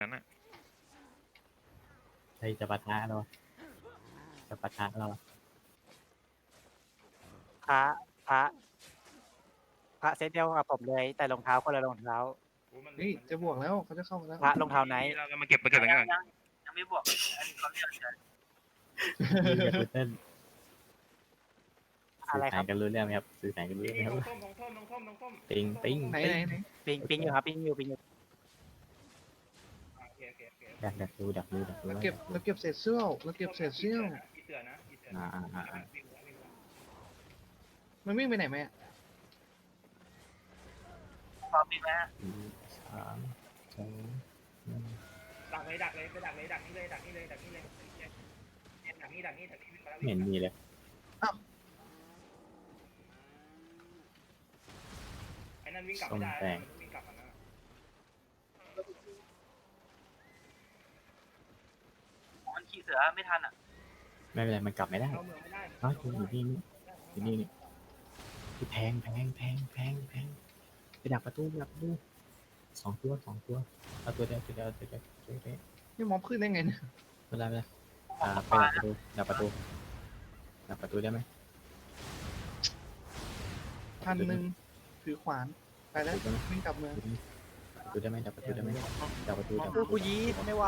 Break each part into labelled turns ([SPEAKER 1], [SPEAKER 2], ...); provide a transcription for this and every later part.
[SPEAKER 1] นั้นน่ะ
[SPEAKER 2] ใครจะปะทะเราจะปะทะเรา
[SPEAKER 3] พระพระพระเซตเดียวกับผมเลยแต่รองเท้าคนละรองเท้า
[SPEAKER 4] นี่จะบวกแล้วเขาจะเข้ามาแล้ว
[SPEAKER 3] พระรองเท้าไหน
[SPEAKER 1] เรามาเก็บอย่างนี้ก่อน
[SPEAKER 5] ยังไม่บวกอันนี้เขาเรียกอะไร
[SPEAKER 2] ดีกับกูเติ้ล
[SPEAKER 3] อะไร
[SPEAKER 2] สื่อ
[SPEAKER 3] ครั
[SPEAKER 2] สาร
[SPEAKER 3] บ
[SPEAKER 2] กันรู้เรื่องไหมครับสื่อสารกันรู้เรื่องไหมครับ ปิงปิง
[SPEAKER 4] ไหน
[SPEAKER 3] ปิงอยู่ครับปิงอยู่
[SPEAKER 2] ดักดู
[SPEAKER 4] เราเก็บเศษเสื้อเราเก็บเศษเสื้อ
[SPEAKER 2] อ่า
[SPEAKER 4] มันวิ่งไปไหนไหม
[SPEAKER 5] พร้อมดีไหม
[SPEAKER 2] สามสองหนึ่ง
[SPEAKER 1] ดักเลยไปดักนี่เลยดักนี่วิ่งมาแล้ว
[SPEAKER 2] ไม่เห็นมีเลย
[SPEAKER 1] ไอ้นั่นวิ่งกลับไม่ได้วิ่งกลับมานะ
[SPEAKER 5] มันขี่เสือไม่ทันอ่ะ
[SPEAKER 2] ไม่เป็นไรมันกลับไม่ได้
[SPEAKER 1] เข้าเมืองไม่ได้
[SPEAKER 2] อ๋ออยู่นี่ที่แพงไปดักประตูสองตัวเอาตัวเดียว
[SPEAKER 4] นี่ม็อบขึ้นได้ไงเนี่ย
[SPEAKER 2] ไม่เป็นไรไปดักประตูได้ไหม
[SPEAKER 4] 1,000ถือขวานไปแล้ววิ่งกลับเมือง
[SPEAKER 2] ประตูได้ไหมดักประตูได้ไหมดักประตู
[SPEAKER 3] กูยีดไม่ไหว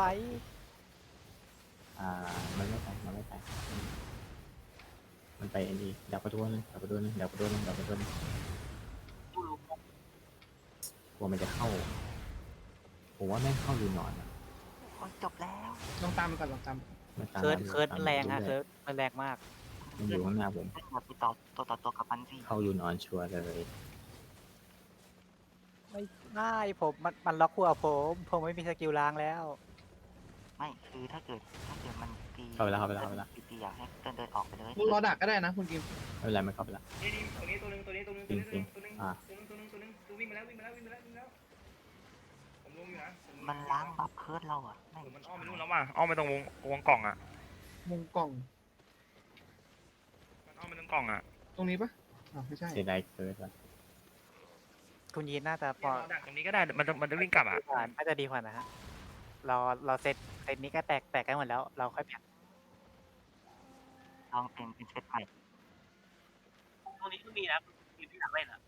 [SPEAKER 2] มันไม่ไปมันไปอันนี้ดักประตูนึงกลัวมันจะเข้าผมว่าแม่งเข้ารูนอนอะ
[SPEAKER 6] จบแล้ว
[SPEAKER 4] ลองตามมันก่อนลองตาม
[SPEAKER 2] มันตาม
[SPEAKER 3] เคิร์ดมันแรงฮะเคิร์ดมันแรงมาก
[SPEAKER 2] มันอยู่ข้างหน้าผม
[SPEAKER 6] อย่าไปต่อตัวกับมันสิ
[SPEAKER 2] เข้ารูนอนชัวร์เลย
[SPEAKER 3] ไม่ได้มันล็อกหัวผมไม่มีสกิลล้างแล้ว
[SPEAKER 6] ไม่คือถ้าเกิดมันตี
[SPEAKER 2] เข้าไปแล้ว
[SPEAKER 6] ตีอยากให้เดินออกไปเลย
[SPEAKER 4] มึงรอดักก็ได้นะคุณกิม
[SPEAKER 2] ไม่เป็นไรมันเข้าไปแล้ว
[SPEAKER 1] นี่ตัวนี้ตัวนึงตัววิ่งมาแล้วผมลงอยู่นะ
[SPEAKER 6] มันล้างบัฟเคิร์ดเราอ่ะ
[SPEAKER 1] มันอ้อมไปนู่นแล้วว่ะอ้อมไปตรงวงกล่องอ่ะ
[SPEAKER 4] มุงกล่อง
[SPEAKER 1] มันอ้อมไปตรงกล่องอ่ะ
[SPEAKER 4] ตรงนี้ปะไม่ใช่
[SPEAKER 2] เสียดายเกินว่ะ
[SPEAKER 3] คุณยีนน่าจะพอ
[SPEAKER 1] ดักตรงนี้ก็ได้มันจะวิ่งกลับอ่ะ
[SPEAKER 3] น่าจะดีกว่านะฮะเราเซตนี้ก็แตกกันหมดแล้วเราค่อยแผน
[SPEAKER 6] ลองเป็นเซตใหม่
[SPEAKER 5] ตรงนี้ก็มีนะทีมที่อยากเล่นอ่ะ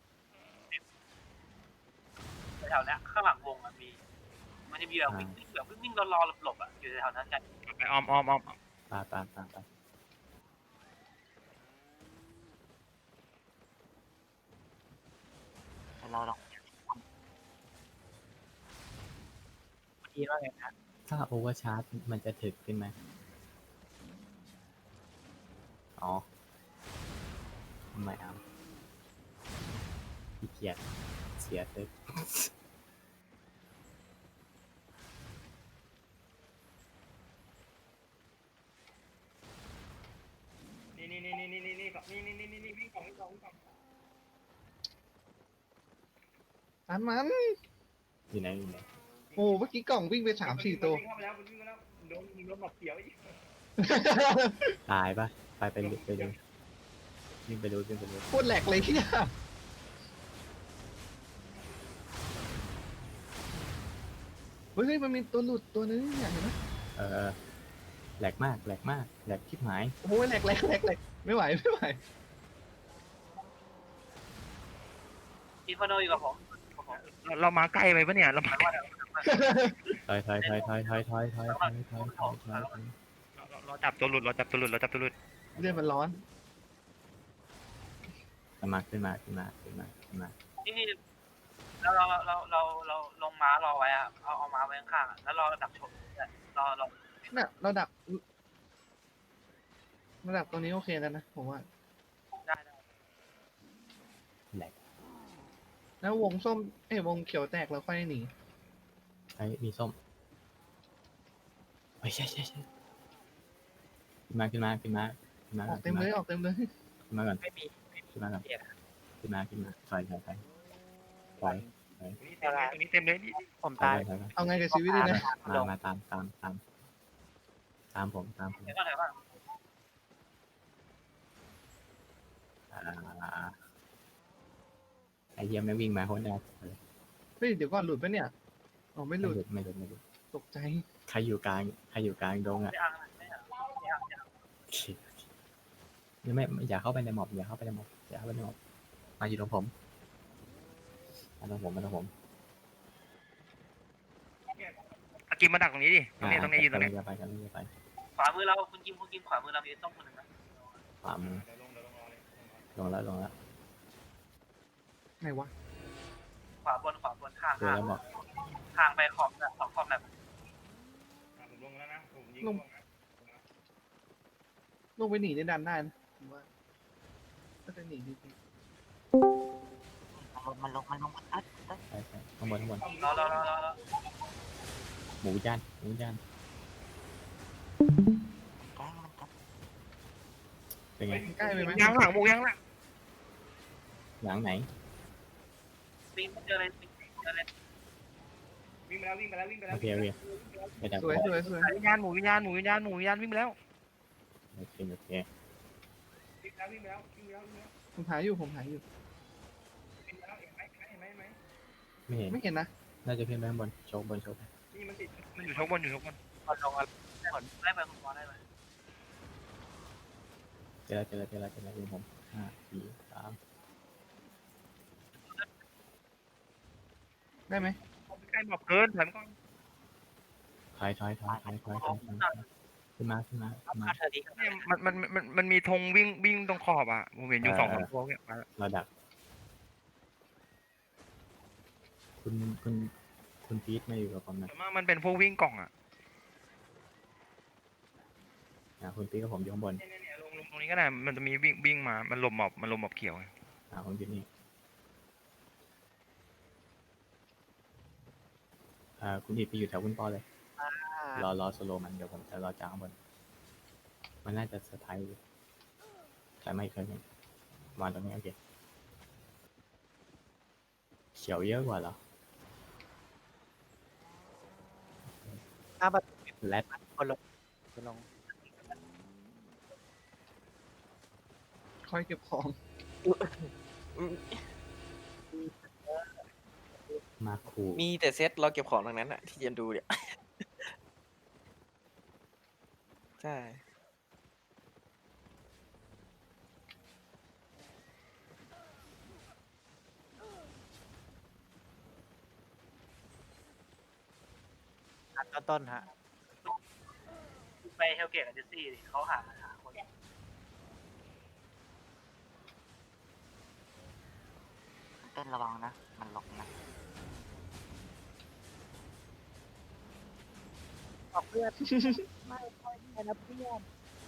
[SPEAKER 5] แถวเนี้ยข้างหลังวงมันจะมีแบบวิ่งรอหลบอ่ะอยู่แถวนั้นกัน
[SPEAKER 1] ไปอ้อม
[SPEAKER 2] ตาม
[SPEAKER 6] แต่เราลอง
[SPEAKER 3] คุณยีนว่าไงครับ
[SPEAKER 2] ถ้าโอเวอร์ชาร์จมันจะถึกขึ้นไหมอ๋อไม่เอาขี้เกียจเสียเติร์
[SPEAKER 1] นี่วิ่งกล่อง
[SPEAKER 4] ตามมัน
[SPEAKER 2] อยู่ไหน
[SPEAKER 4] โอ้เมื่อกี้กล่องวิ่งไป3-4 ตัว
[SPEAKER 1] วิ่งเข้าไปแล้วโดนหลอกเขียวอีก
[SPEAKER 2] ตายปะไปดูวิ่งไปดู
[SPEAKER 4] โคตรแหลกเลยที่เฮ้ยมันมีตัวหลุดตัวนึงเนี่ยเห็นไหม
[SPEAKER 2] แหลกมากแหลกคิดหมาย
[SPEAKER 4] โอ้ยแหลกไม่ไหว
[SPEAKER 5] ทีมพโนอยู่กับผม
[SPEAKER 1] เรามาใกล้ไปปะเนี่ยเรามา
[SPEAKER 2] ถอย
[SPEAKER 1] เราจับตัวหลุด
[SPEAKER 4] เรื่องมันร้อน
[SPEAKER 2] ขึ้นมา
[SPEAKER 5] นี่เราลงม้ารอไว้อ่ะเอาม้าไว้ข้างๆแล้วรอดักชนรอ
[SPEAKER 4] น่ะเราดักตัวนี้โอเคแล้วนะผมว่า
[SPEAKER 5] ได้
[SPEAKER 2] แหลก
[SPEAKER 4] แล้ววงส้มวงเขียวแตกแล้วค่อยหนี
[SPEAKER 2] มีส้มใช่ขึ้นมา
[SPEAKER 4] ออกเต็มเลย
[SPEAKER 2] ขึ้นมาก่อน
[SPEAKER 3] ไม่มี
[SPEAKER 2] ขึ้นมาถอย
[SPEAKER 1] ตรงนี้เต็มเลย
[SPEAKER 3] ผมตาย
[SPEAKER 4] เอาไงกับชีวิตดีนะ
[SPEAKER 2] มาตามผม
[SPEAKER 5] เดี๋ยวก่อน
[SPEAKER 2] ไอเยี่ยมไม่วิ่งมาโคตรแน่
[SPEAKER 4] เฮ้ยเดี๋ยวก่อนหลุดปะเนี่ยอ๋อไม่หลุด
[SPEAKER 2] ไม่หลุด
[SPEAKER 4] ตกใจ
[SPEAKER 2] ใครอยู่กลางดงอ่ะ
[SPEAKER 5] ไม่อ่างไม่อ่างไม่อ่างไม่อ่าง
[SPEAKER 2] โอเคยังไม่อย่าเข้าไปในหมอบอย่าเข้าไปในหมอบมาอยู่ตรงผมมาตรงผม
[SPEAKER 1] อากิมมาดักตรงนี้ดิตรงนี้ยืนตรงนี้
[SPEAKER 2] ไปกันไป
[SPEAKER 5] ขวามือเราคุณกิมขวามือเรามีต้องคนหนึ่งนะ
[SPEAKER 2] ขวามือ
[SPEAKER 1] เดี๋ยวลงรอเลย
[SPEAKER 2] ลงแล้ว
[SPEAKER 4] ไหนวะ
[SPEAKER 5] ขวาบนห่าง
[SPEAKER 2] เจอแล้วบอก
[SPEAKER 5] ห่างไปขอบแบบขอบแบบ
[SPEAKER 1] ผมลงแล้วนะผมยิง
[SPEAKER 4] ลงไปหนีในดันได้นะผมว่าก็จะหนีดี
[SPEAKER 6] มันลงเอิด
[SPEAKER 2] ไปข้างบน
[SPEAKER 5] รอ
[SPEAKER 2] หมูย่าน
[SPEAKER 6] แกล้งมันจะ
[SPEAKER 2] เป็นไง
[SPEAKER 4] ใกล้ไปไหม
[SPEAKER 1] ยางหลังหมูยางหลัง
[SPEAKER 2] หลังไหน
[SPEAKER 5] วิ่งเจอเลย
[SPEAKER 1] วิ่งไปแล้ว
[SPEAKER 2] โอเคไปดัก
[SPEAKER 4] สวย
[SPEAKER 1] วิญญาณหมูวิ่งไปแล้ว
[SPEAKER 2] โอเค
[SPEAKER 1] วิ่งไปแล้ว
[SPEAKER 4] ผมหาอยู่
[SPEAKER 1] เห็นไหม
[SPEAKER 2] ไม่เห็น
[SPEAKER 4] ไม่เห็นนะ
[SPEAKER 2] น่าจะขึ้นไปข้างบนโชว์บน
[SPEAKER 1] นี่มันติดมันอยู่ชกบน
[SPEAKER 3] คนลงอะไร
[SPEAKER 5] ได้ไปคุณพอได้ไป
[SPEAKER 2] เจอแล้วผม5 4 3
[SPEAKER 4] ได้ไหม
[SPEAKER 1] ใกล้หมอบเกินถอยก่อน
[SPEAKER 2] ถอยขึ้นมา
[SPEAKER 3] เธอดี
[SPEAKER 1] เนี่ยมันมีธงวิ่งตรงขอบอ่ะผมเห็นอยู่2-3ตัวเนี่ย
[SPEAKER 2] เราดักคุณพีทมาอยู่กับผมนะ
[SPEAKER 1] แต่ว่ามันเป็นพวกวิ่งกล่องอ่ะ
[SPEAKER 2] คุณพีทกับผมอยู่ข้างบน
[SPEAKER 1] เนี่ยลงตรงนี้ก็ได้มันจะมีวิ่งมามันหลบหมอบเขียว
[SPEAKER 2] ผมอยู่นี่คุณพีทไปอยู่แถวคุณปอเลยรอสโลมันเดี๋ยวผมจะรอจากข้างบนมันน่าจะสไตล์แต่ไม่เคยเห็นวางตรงนี้โอเคเขียวเยอะกว่าเหรอ
[SPEAKER 3] หน้าบัตร
[SPEAKER 2] แรด
[SPEAKER 3] คนลง
[SPEAKER 4] คอยเก็บของ
[SPEAKER 2] มาคู
[SPEAKER 7] มีแต่เซตเราเก็บของทั้งนั้นอะที่จะดูเนี่ย ใช่
[SPEAKER 3] ต้นฮะ
[SPEAKER 5] ไปเฮลเกตกับเจสซี่เขาหาคน
[SPEAKER 6] เต้นระวังนะมันหลบนะ
[SPEAKER 3] บอกเพื่อนไม่ค่อยแค่นะเพื่อน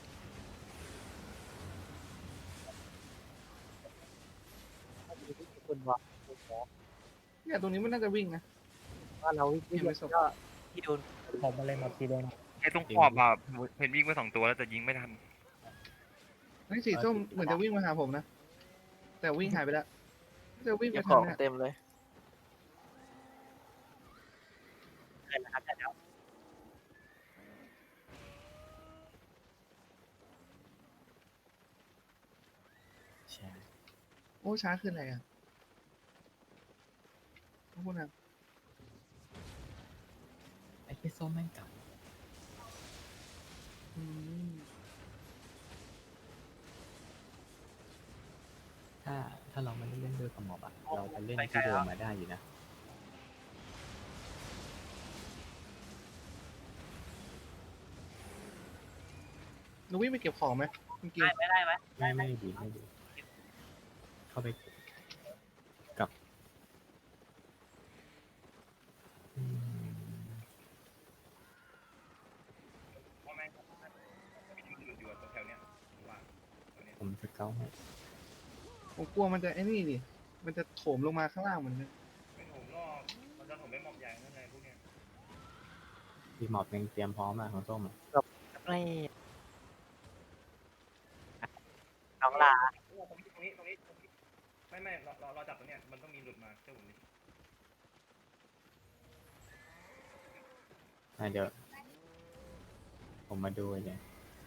[SPEAKER 3] คุณบอก
[SPEAKER 4] เนี่ยตรงนี้มันน่าจะวิ่งนะ
[SPEAKER 3] ว่าเราวิ่งก็ที่โดนผมมาเลยหมดทีเดียว
[SPEAKER 1] ไอ้ตรงขอบอ่ะเห็นวิ่งไป2 ตัวแล้วแต่ยิงไม่ทัน
[SPEAKER 4] ไอ้สีส้มเหมือนจะวิ่งมาหาผมนะ แต่วิ่งหายไปแล้วจะวิ่งไป
[SPEAKER 7] เก็บข
[SPEAKER 4] ทา
[SPEAKER 7] อง ง
[SPEAKER 4] เนี่ย
[SPEAKER 7] เต็มเลย
[SPEAKER 3] เกินนะครับแต่แล้ว
[SPEAKER 2] ใช่
[SPEAKER 4] โอ้ช้าขึ้นอะไรอ่ะขอบคุณครับ
[SPEAKER 2] ไอ้พี่ส้มแม่งกลับ
[SPEAKER 4] อืม
[SPEAKER 2] ถ้าเราไม่ได้เล่นด้วยกระหม่อมอะเราจะเล่นที่เดิมมาได้อยู่นะ
[SPEAKER 4] หนูวิ่งไปเก็บของไหมคุณกิม
[SPEAKER 5] ได้ไหม
[SPEAKER 2] ไม่ดีเข้าไปกลับอืม
[SPEAKER 1] พ่อแม่อยู่แถวเนี้ยว่า
[SPEAKER 2] ผมจะเก้าให้
[SPEAKER 4] ผมกลัวมันจะไอ้นี่ดิมันจะโถมลงมาข้างล่างเหมือนกัน
[SPEAKER 1] ไม่ผมรอบมันจะผมไม่หมอบใหญ่นั่นไงพวกเนี้ย
[SPEAKER 2] ทีหมอบยังเตรียมพร้อมอะของส้มอะ
[SPEAKER 3] ไม่น้องลา
[SPEAKER 1] ตรงนี้ไม่เราจับตรงเนี้ยมันต้องมีหลุดมาเจ้าผมดิ
[SPEAKER 2] เดี๋ยวผมมาดูเลย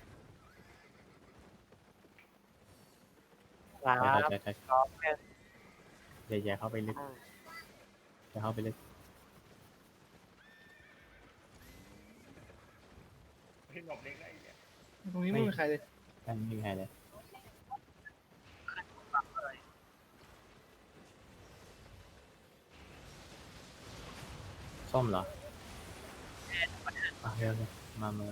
[SPEAKER 3] ลา
[SPEAKER 2] อย่าเข้าไปลึกอย่าเข้าไปลึก
[SPEAKER 1] ที่หลบเล็กได้เนี่ย
[SPEAKER 4] ตรงนี้ไม่มีใครเลย
[SPEAKER 2] ไม่มีใครเลย
[SPEAKER 5] ปักเลย
[SPEAKER 2] ส้มเหรออ่ะเร็วเลยมาเลย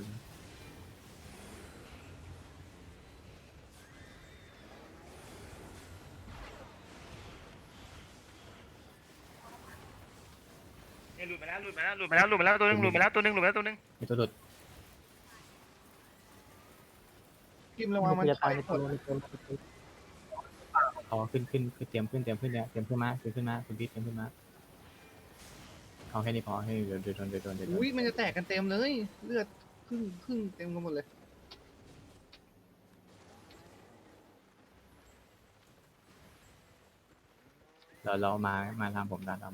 [SPEAKER 1] เนี่ยหลุดมาแล้วหลุดมาแล้วหลุดมาแล้วหลุดมาแล้วตัวนึงหลุดมาแล้วตัวนึงหลุดมาแล้วตัวนึง
[SPEAKER 2] มีตัวหลุด
[SPEAKER 4] กิมระวังมัน
[SPEAKER 3] จะ
[SPEAKER 4] ถอ
[SPEAKER 3] ตาย
[SPEAKER 4] ย
[SPEAKER 3] ใน
[SPEAKER 4] หม
[SPEAKER 3] ตัว
[SPEAKER 4] ด
[SPEAKER 3] ในตัว
[SPEAKER 2] เอาขึ้นเตรียมขึ้นเนี่ยเตรียมขึ้นมาคุณพี่เตรียมขึ้นมาเอาแค่นี้พอให้เดี๋ยวโดน
[SPEAKER 4] อุ้ยมันจะแตกกันเต็มเลย เลือดครึ่งเต็มกันหมดเลย
[SPEAKER 2] เรามาทำผมได้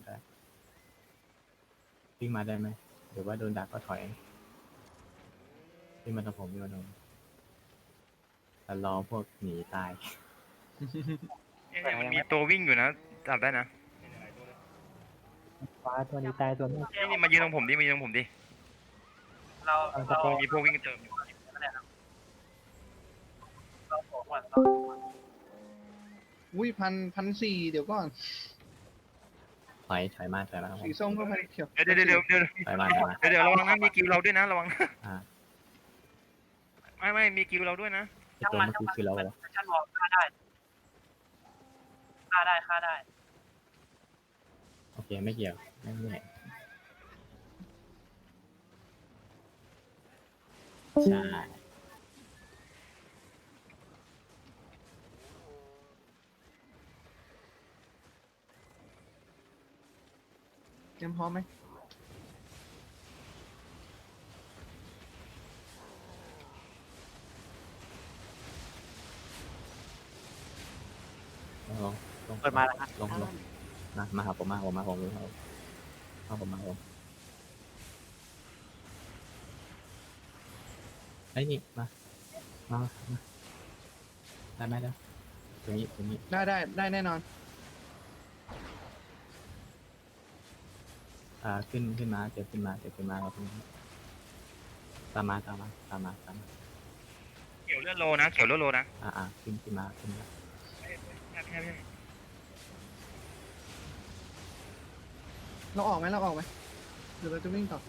[SPEAKER 2] วิ่งมาได้ไหมหรือว่าโดนดักก็ถอยวิ่งมาทำผมแต่รอพวกหนีตาย
[SPEAKER 1] เนี่ยมันมีตัววิ่งอยู่นะจับได้นะ
[SPEAKER 3] ฟ้าตัวนี้ตายตัวนี้
[SPEAKER 1] นี่มายืนตรงผมดิมายืนตรงผมดิ
[SPEAKER 5] เรา
[SPEAKER 1] มีพวกวิ่งเติมอยู่
[SPEAKER 5] เราของก่อน
[SPEAKER 4] อุ้ยพันสี่เดี๋ยวก่อน
[SPEAKER 2] ถอยมาครับผม
[SPEAKER 4] สีส้มก็พันเขียว
[SPEAKER 1] เดี๋ยวเดี๋ยว
[SPEAKER 2] ถอยมา
[SPEAKER 1] เดี๋ยวระวังนะมีกิวเราด้วยนะระวัง
[SPEAKER 2] อ่า
[SPEAKER 1] ไม่มีกิวเราด้วยนะ
[SPEAKER 2] ไอ้ตัวเมื่อกี้คือเราเหรอ
[SPEAKER 5] ชั้นวอลฆ่าได้ฆ่าได้
[SPEAKER 2] โอเคไม่เกี่ยวไม่เห็นใช่
[SPEAKER 4] เตรียมพร้อมไหม
[SPEAKER 2] ลง
[SPEAKER 3] เปิดมาแล้วฮะ
[SPEAKER 2] ลงมาหาผมไอ้นี่มาได้ไหมได้ตรงนี้
[SPEAKER 4] ได้แน่นอน
[SPEAKER 2] ขึ้นมาเจ็บขึ้นมาเราตามมา
[SPEAKER 1] เขียวเลือดโลนะเขียวเลือดโลนะ
[SPEAKER 2] ขึ้นมา
[SPEAKER 4] เราออกไหมเดี๋ยวเราจะวิ่งต่อ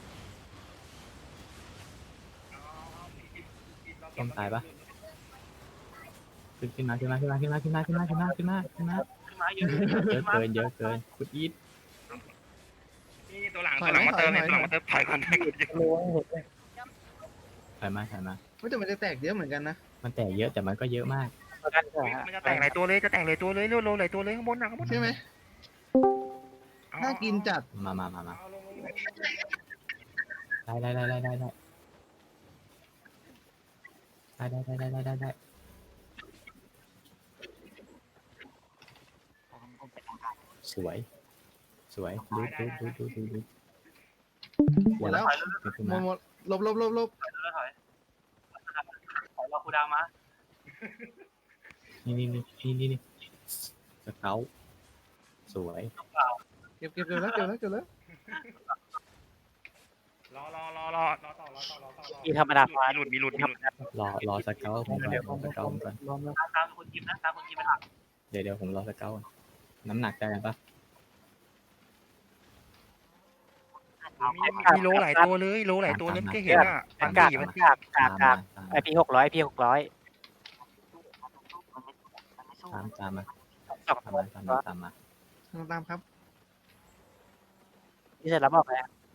[SPEAKER 2] ต้องตายปะขึ้นมา
[SPEAKER 5] ขึ้นมาเยอะ
[SPEAKER 2] เยอะเกินคุณอีท
[SPEAKER 1] นี่ตัวหลังมาเติมถอยก่อน
[SPEAKER 2] ถอยมา
[SPEAKER 4] ว่าแต่มันจะแตกเยอะเหมือนกันนะ
[SPEAKER 2] มันแตกเยอะแต่มันก็เยอะมาก
[SPEAKER 3] ตัวนั้นก็ฮะ
[SPEAKER 1] มันจะแตกหลายตัวเลยเลือดโลหลายตัวเลยข้างบนนะข้างบน
[SPEAKER 4] ใช่ไหมน่ากินจัด
[SPEAKER 2] มาได้ สวยดู
[SPEAKER 4] หมดแล้ว
[SPEAKER 2] ขึ้น
[SPEAKER 4] หม
[SPEAKER 2] มา
[SPEAKER 4] ดลบ
[SPEAKER 5] ถอยเราคูดาวมา
[SPEAKER 2] นี่สเกลสวย
[SPEAKER 4] เก็บเร็วแล้ว
[SPEAKER 1] รอต่อ
[SPEAKER 3] อีธรรมดาฟ้า
[SPEAKER 1] มีหลุด
[SPEAKER 2] รอสเกลผมก่อน
[SPEAKER 3] รวมแล้ว
[SPEAKER 5] ตามคุณกิมนะตามคุณกิมไปหลัง
[SPEAKER 2] เดี๋ยวผมรอสเกลน้ำหนักได้ปะ
[SPEAKER 1] มีโลหลายตัวเลยก็เห็นอ่ะ
[SPEAKER 3] กากไอพี600
[SPEAKER 2] ตามมา
[SPEAKER 3] 2
[SPEAKER 2] ตามมา
[SPEAKER 4] ตามครับ
[SPEAKER 3] ที่เสร็จแล้วบอกเลย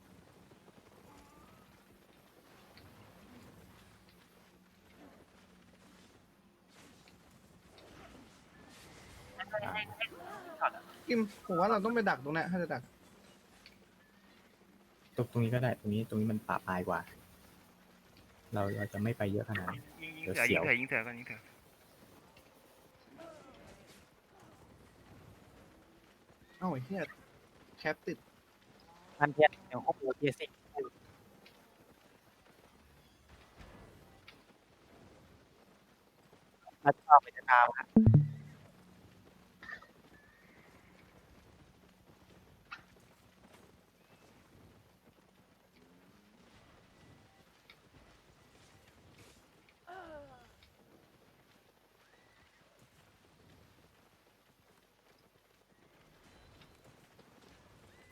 [SPEAKER 4] กิมผมว่าเราต้องไปดักตรงนั้นถ้าจะดัก
[SPEAKER 2] ตรงนี้ก็ได้ตรงนี้มันป่าปลายกว่า เราจะไม่ไปเยอะขนาดนั้น
[SPEAKER 1] ยิงเสือก่อน
[SPEAKER 4] เอ้าไอ้เหี้ยแคปติด
[SPEAKER 3] มันเทียนเดี๋ยวครบเทียสิเราจะเอาไปจะตามฮะ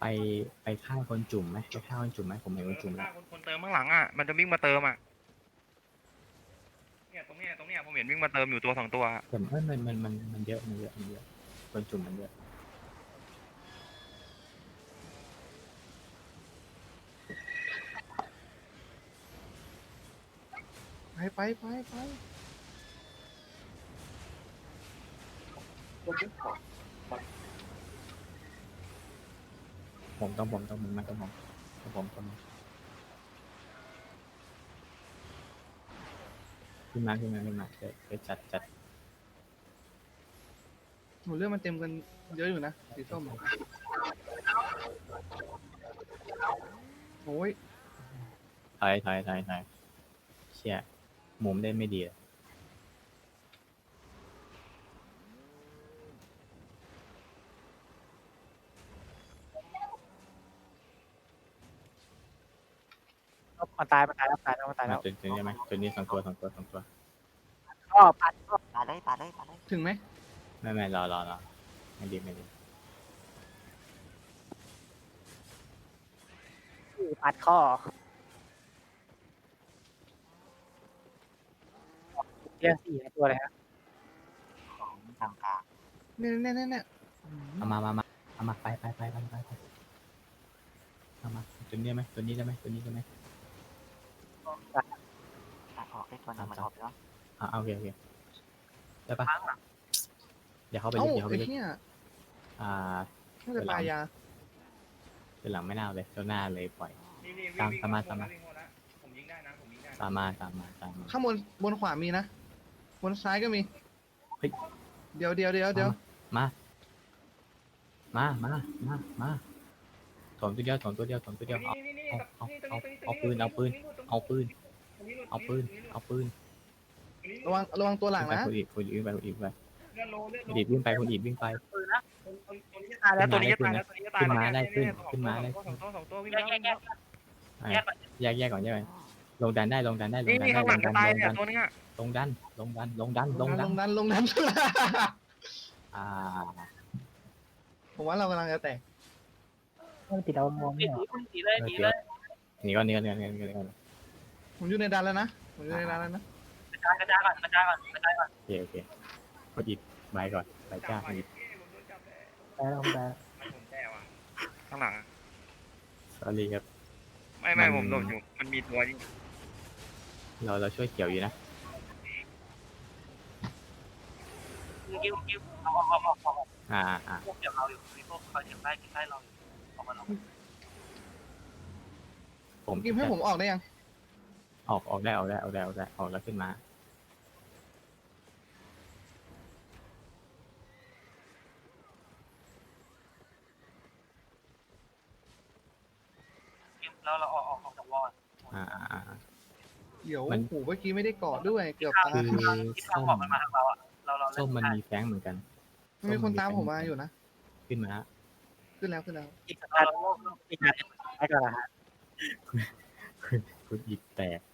[SPEAKER 2] ไปไปฆ่าคนจุ่มไหมไปฆ่าคนจุ่มไหมผมเห็นคนจุ่มแล้ว
[SPEAKER 1] คนเติมข้างหลังอ่ะมันจะวิ่งมาเติมอ่ะเนี่ยตรงเนี้ยผมเห็นวิ่งมาเติมอยู่ตัว2 ตัว
[SPEAKER 2] แต่มันเยอะคนจุ่มมันเยอะ
[SPEAKER 4] ไป
[SPEAKER 2] ผมต้องผมขึ้นมาเดี๋ยวจัด
[SPEAKER 4] หนูเรื่องมันเต็มกันเยอะอยู่นะสีส้มอะโอ้ย
[SPEAKER 2] ถอยเชี่ยมุมได้ไม่ดีอะ
[SPEAKER 3] มันตายแล้ว
[SPEAKER 2] จุดนี้ไหมจุดนี้2 ตัว
[SPEAKER 3] ก็ปัดก็
[SPEAKER 6] ปาดเลยปาดเลยปาดเลย
[SPEAKER 4] ถึงไหม
[SPEAKER 2] ไม่รอไม่ดี
[SPEAKER 3] ปัดข้อเรียก4 ตัวเลยครับ
[SPEAKER 6] ของต่างกลาง
[SPEAKER 4] เนี่ย
[SPEAKER 2] เอามาไปเอามาจุดนี้ไหมตัวนี้ได้ไหม
[SPEAKER 6] ตัดออกได้ตัวหนึงมันออกแล้ว
[SPEAKER 2] โอเคได้ปะ
[SPEAKER 5] ข้างหลัง
[SPEAKER 2] เดี๋ยวเข้าไป
[SPEAKER 4] เอ้า
[SPEAKER 2] ลึก
[SPEAKER 4] ไอ้เหี้ย น่าจะปลายา
[SPEAKER 2] เป็นหลังไม่น่าเลยตัวหน้าเลยปล่อย
[SPEAKER 1] นี่วิ่ง
[SPEAKER 2] ตาม
[SPEAKER 1] วิ่ง
[SPEAKER 2] ตามมา
[SPEAKER 1] วิ่งหมดแล้วผมยิงได้นะผมยิงได้นะ
[SPEAKER 2] ตามมา
[SPEAKER 4] ข้างบนขวามีนะบนซ้ายก็มี
[SPEAKER 2] เฮ้ย
[SPEAKER 4] เดี๋ยว
[SPEAKER 2] มาถมตัวเดียว
[SPEAKER 1] นี่
[SPEAKER 2] เอาปืน
[SPEAKER 4] ระวังตัวหลังนะ
[SPEAKER 2] คนอีกไป
[SPEAKER 1] เลือดโล
[SPEAKER 2] วิ่งไปคนอีกวิ่งไป
[SPEAKER 5] ปืนนะ
[SPEAKER 1] ตัวนี้จะตายแล้วตัวนี้จะตายแล้วตัวนี้จะตายแล้ว
[SPEAKER 2] ขึ้นมาได้ขึ้น
[SPEAKER 1] สองตัววิ่ง
[SPEAKER 5] แย
[SPEAKER 1] แล้
[SPEAKER 5] ก
[SPEAKER 1] ว
[SPEAKER 5] แยกแยกแยกก่อน
[SPEAKER 2] แยกก่อนลงดันได้
[SPEAKER 1] นี่ข้างหลังจะตายเนี่ยตัวนี้
[SPEAKER 2] ลงดัน
[SPEAKER 4] ลงดัน ผมว่าเรากำลังจะแตก
[SPEAKER 3] ติดเอามอง
[SPEAKER 5] หนีเลยหนีเลย
[SPEAKER 2] หนีก่อน
[SPEAKER 4] ผมอยู่ในดันแล้วนะ
[SPEAKER 5] กระจายก่อน
[SPEAKER 2] โอเคคนอีกใบก่อนใบจ้าคนอีก
[SPEAKER 3] แล้ว
[SPEAKER 1] ผมแย่ว่ะข้างหลัง
[SPEAKER 2] sorry ครับ
[SPEAKER 1] ไม่ผมโดนอยู่มันมีตัวที่
[SPEAKER 2] เราช่วยเกี่ยวอยู่นะ
[SPEAKER 5] กิ้วเอาพวกเกี่ยวเราอยู่มีพวกเขาเกี่ยวใต้เราอยู่ออกมา
[SPEAKER 2] ผม
[SPEAKER 4] กิมให้ผมออกได้ยัง
[SPEAKER 2] ออกได้ออกแล้วขึ้นมา
[SPEAKER 5] แล้วเราออกจากวอล
[SPEAKER 4] เดี๋ยวโอ้โหเมื่อกี้ไม่ได้กอดด้วย เกือบตาย
[SPEAKER 2] คือ
[SPEAKER 5] ที่ทางบอกมันมาทางเราอ่ะเรา
[SPEAKER 2] ส้มมันมีแฟงเหมือนกัน
[SPEAKER 4] มันมีคนตามผมมาอยู่นะ
[SPEAKER 2] ขึ้นมา
[SPEAKER 4] ขึ้นแล้ว
[SPEAKER 3] อีกสักการอีกการให้ก่อนนะฮะ
[SPEAKER 2] คุณอีกแตก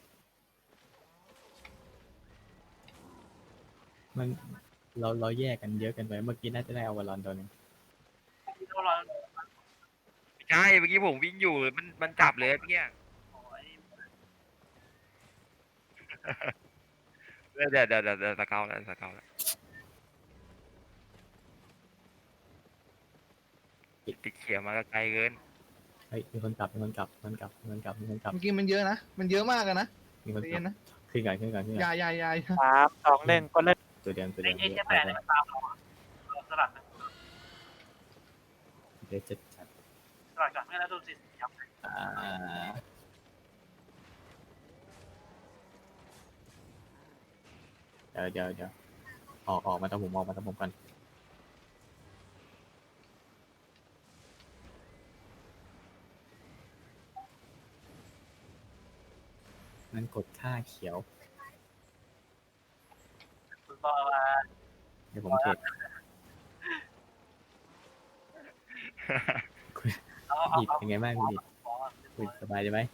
[SPEAKER 2] มันเราแยกกันเยอะกันไปเมื่อกี้น่าจะได้เอาวอลลอนตัวนึง
[SPEAKER 5] เรา
[SPEAKER 1] ใช่เมื่อกี้ผมวิ่งอยู่มันจับเลยเมื่อกี้เดี๋ยวสเกลแล้วติดเขียวมาไกลเกิน
[SPEAKER 2] เฮ้ยมีคนกลับ
[SPEAKER 4] เมื่อกี้มันเยอะนะ มันเยอะมากอะนะ
[SPEAKER 2] มีคน
[SPEAKER 4] ใจ
[SPEAKER 2] ก
[SPEAKER 4] เย็
[SPEAKER 2] ลับ
[SPEAKER 4] นนะ
[SPEAKER 2] ขึ้นก่อน
[SPEAKER 4] ยาย
[SPEAKER 3] 3 2 1ก็เริ่ม
[SPEAKER 2] ตัวเดียว
[SPEAKER 5] ไอ้แปดมันตามเราสลัด
[SPEAKER 2] เดี๋ยวจะจัด
[SPEAKER 5] สลัดก่อนเมื่อแล้วโดนสิยับ
[SPEAKER 2] เดี๋ยวออกมาต้องผมก่อนมันกดค่าเขียว
[SPEAKER 5] คุณบอกว่า
[SPEAKER 2] เดี๋ยวผมเทรดหยิบเป็นไงบ้างคุณหยิบคุณสบายใช่ไหม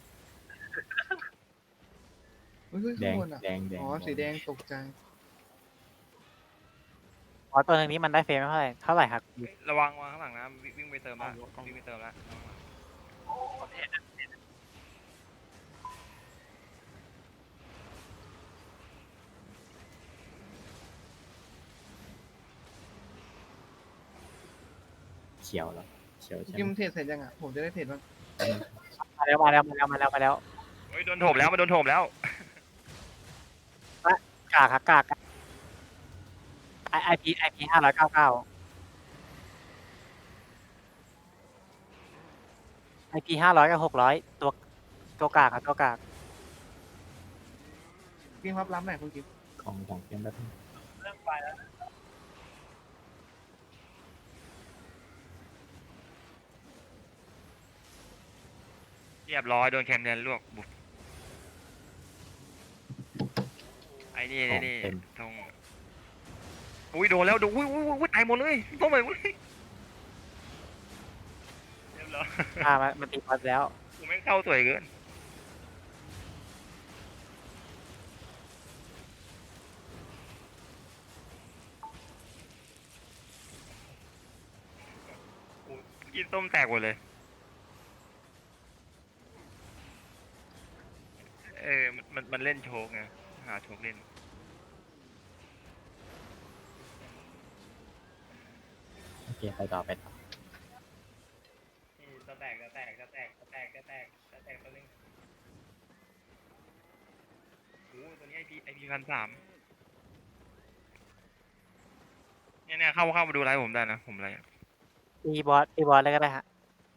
[SPEAKER 4] เฮ้ย
[SPEAKER 2] แด
[SPEAKER 4] ข้าง งบนอะ
[SPEAKER 2] แดง
[SPEAKER 4] อ๋อ สีแดงตกใจ
[SPEAKER 3] อ๋อตัวหนึ่งนี้มันได้เฟรมไม่เท่าไหร่ครับ
[SPEAKER 1] ระวังข้างหลังนะวิ่งไปเติมละวิ่งไปเติมละ
[SPEAKER 2] เขียวแล้วเขียว
[SPEAKER 4] คุณ
[SPEAKER 2] ใช่
[SPEAKER 4] กิม
[SPEAKER 2] ไหม
[SPEAKER 4] เทรดเสร็จยังอ่ะผมจะได้เทรดบ้าง
[SPEAKER 3] มาแล้ว
[SPEAKER 1] เฮ้ยโดนโถมแล้วมันโดนโถมแล้ว
[SPEAKER 3] กากครับกากไอพี599ไอพี500กับ600ตัวกากครับตัวกาก
[SPEAKER 4] กิมรับหน่อยคุณกิม
[SPEAKER 2] ของเกมแบบนึง
[SPEAKER 1] เรียบร้อยโดนแคมเนียนลวกบุกไอ้นี่
[SPEAKER 2] ของ
[SPEAKER 1] นี่
[SPEAKER 2] เต็ม
[SPEAKER 1] ตรงอุ้ยโดนแล้วโดนอุ้ยตายหมดเลยต้องไปเว้ยเรียบร้อย
[SPEAKER 3] มันตีพัดแล้ว
[SPEAKER 1] กูแม่งเข้าสวยเกินกูกินส้มแตกหมดเลยมันเล่นโชกไงหาโชกเล่น
[SPEAKER 2] โอเคไปต่อไปต่อ
[SPEAKER 1] จะแตกตัวนึงโอ้ตัวนี้ไอพี1,300เนี่ยเข้ามาดูไลฟ์ผมได้นะผมไลฟ์
[SPEAKER 3] ตีบอสเลยก็ได้ฮะ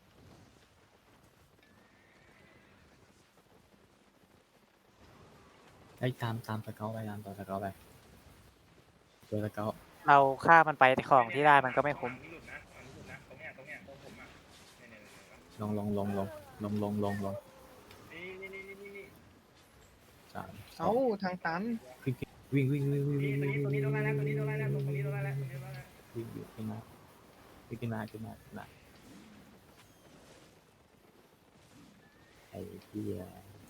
[SPEAKER 2] ไอ้ยตามสเกลไปตามต่อสเกลไปตัวสเกล
[SPEAKER 3] เราฆ่ามันไปของที่ได้มันก็ไม่คุ้ม
[SPEAKER 1] นี่หลุดนะอันนี้หลุดนะตรงเนี้ยตรงผมอ่ะเนี่ย
[SPEAKER 2] ลง
[SPEAKER 1] นี่
[SPEAKER 2] สามสอ
[SPEAKER 4] เอ้าง ทางตัน
[SPEAKER 2] วิ่ง
[SPEAKER 1] ตัวนี้โดนไล่แล้วตัวนี้โดนไล่แล้วตัวนี้โดนไล่แล้ว
[SPEAKER 2] วิ่งอยู่ขึ้นมาไอ้เหี้ย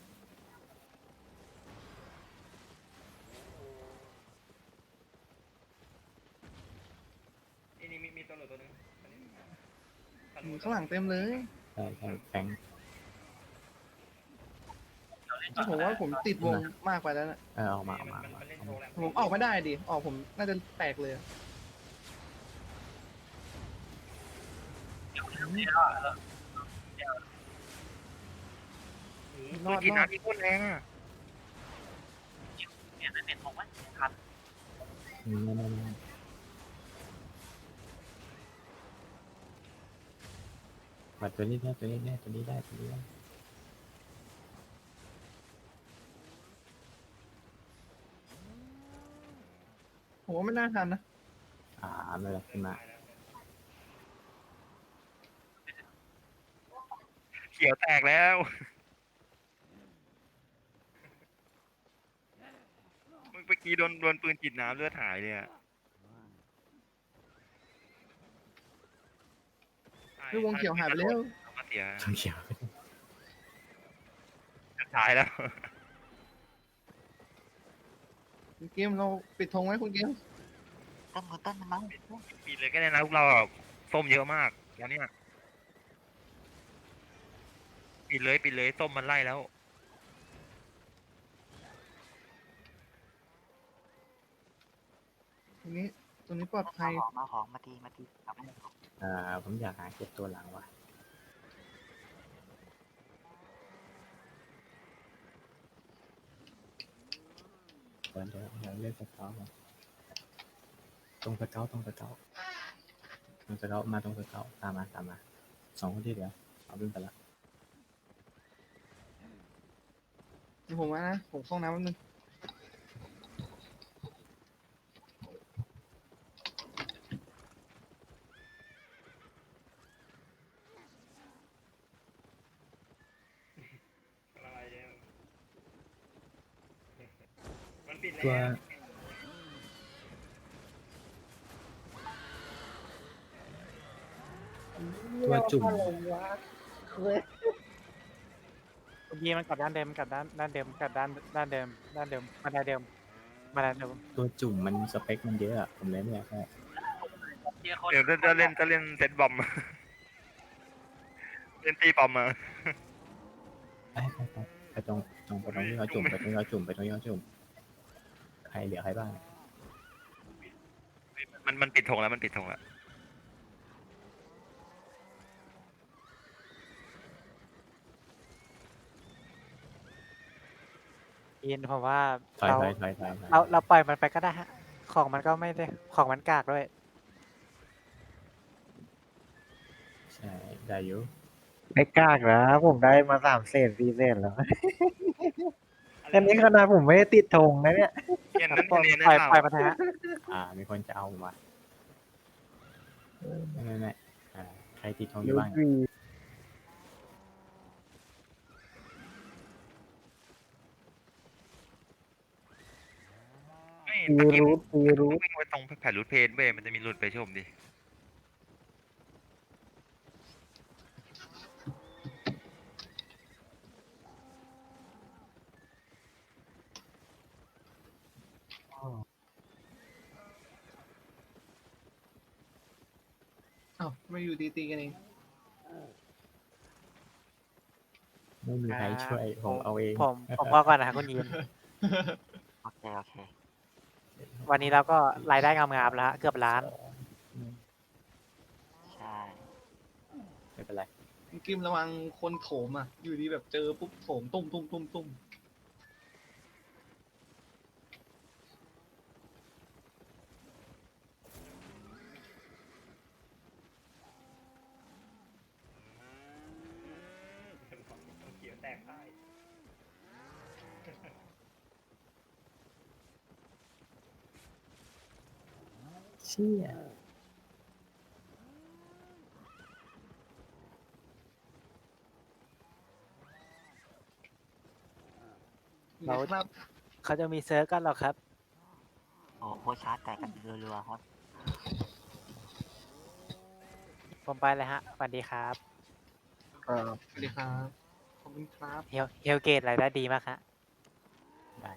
[SPEAKER 1] นี่มีตัวหลุดตัวนึง
[SPEAKER 4] ข้างหลังเต็มเลย
[SPEAKER 2] ใช่แฟง
[SPEAKER 4] ผมว่าผมติดวงมากไปแล้วนะ
[SPEAKER 2] ออกมา
[SPEAKER 1] มันเล่นโชว์แล้ว
[SPEAKER 4] ผมออกไม่ได้ดิออกผมน่าจะแตกเลย
[SPEAKER 1] ตัวกินน้ำที่โคตรแรงอ่ะ
[SPEAKER 5] เนี่ยนั่นเป็นผมว่าทัน
[SPEAKER 2] บัดตัวนี้ได้ตัวนี้ได้
[SPEAKER 4] ผมว่าไม่น่าทันนะ
[SPEAKER 2] ไม่เป็นไรขึ้นมา
[SPEAKER 1] เขียวแตกแล้วเมื่อกี้โดนปืนจิตน้ำเลือดหายเลยอ่ะ
[SPEAKER 4] คือวงเขียวหายไปแล้ว
[SPEAKER 1] มาเสีย
[SPEAKER 2] ต้องเขียว
[SPEAKER 1] ตายแล้ว
[SPEAKER 4] คุณกิมเราปิดธงไว้คุณกิม
[SPEAKER 6] ต้นมันมั้ง
[SPEAKER 1] ปิดเลยก็ได้นะพวกเราส้มเยอะมากแล้วเนี่ยปิดเลยส้มมันไล่แล้ว
[SPEAKER 4] ตรงนี้ปลอดภัย
[SPEAKER 6] มาของมาตีกลับมา
[SPEAKER 2] ผมอยากหาเก็บตัวหลังว่ะเดี๋ยวเล่นสเกลตรงสเกลมาตรงสเกลตามมาสองคนที่เหลือเอาวิ่งไปละ
[SPEAKER 4] เดี๋ยวผมว่านะผมเข้าน้ำแป๊บนึง
[SPEAKER 1] มันปิด
[SPEAKER 2] ตัว
[SPEAKER 1] แล้ว
[SPEAKER 2] ตัวจุ่ม
[SPEAKER 3] เมื่อกี้มันกลับด้านเดิมมาด้านเดิม
[SPEAKER 2] ตัวจุ่มมันสเปคมันเยอะอะผมเลยไม่อยากให้
[SPEAKER 5] ทีละคน
[SPEAKER 1] เดี๋ยวจะเล่นเซตบอม เล่นตีบอมมา
[SPEAKER 2] ไปตรงไปตรงที่เขาจุ่มไปตรงที่เขาจุ่มไปตรงที่เขาจุ่มใครเหลือใครบ้าง
[SPEAKER 1] มันปิดธงแล้วมันปิดธงแล้ว
[SPEAKER 3] ยินผมว่า
[SPEAKER 2] ถอย
[SPEAKER 3] เราปล่อยมันไปก็ได้ฮะ ของมันก็ไม่ได้ของมันกากด้วย
[SPEAKER 2] ใช่ได้อยู่
[SPEAKER 8] ไม่กล้ากนะผมได้มา3 เศษ 4 เศษแล้วอันนี้ขนาดผมไม่ได้ติดธงนะเนี่ย
[SPEAKER 1] เย็นนั้น
[SPEAKER 3] ปล่อย
[SPEAKER 1] เย็น
[SPEAKER 3] ปล่อย
[SPEAKER 1] นั้น
[SPEAKER 3] ปล่อยมันเถอะฮะ
[SPEAKER 2] มีคนจะเอาผมมาไม่ใครติดทองอยู่บ้าง
[SPEAKER 1] ไม่
[SPEAKER 8] ตี
[SPEAKER 1] ตะกี้
[SPEAKER 8] รูทตีรูท
[SPEAKER 1] วิ่งไปตรงแผ่นรูทเพจเว้ยมันจะมีรูทไปชมดิ
[SPEAKER 4] อ้าวไม่อยู่ดีตีกันเอง
[SPEAKER 2] ไม่มีใครช่วยผมเอาเอง
[SPEAKER 3] ผมพอก่อนนะคุณยิน
[SPEAKER 6] โอเคโอเค
[SPEAKER 3] วันนี้เราก็รายได้งามๆแล้วฮะเกือบล้าน
[SPEAKER 6] ใช่
[SPEAKER 2] ไม่เป็นไร
[SPEAKER 4] กิมระวังคนโถมอ่ะ อยู่ดีแบบเจอปุ๊บโถมตุ้มตุ้มตุ้มตุ้ม
[SPEAKER 1] เขียวแตกได้
[SPEAKER 2] เชี่ย
[SPEAKER 3] เรา
[SPEAKER 4] ครับ
[SPEAKER 3] เขาจะมีเซิร์ฟกันหรอครับ
[SPEAKER 6] โอ้โคชาร์จแตกกันรัวๆครับ
[SPEAKER 3] ผมไปเลยฮะสวัสดีครับ
[SPEAKER 4] สวัสดีครับขอบคุณครับ
[SPEAKER 3] เฮลเกตรายได้ดีมากฮะ
[SPEAKER 2] ได้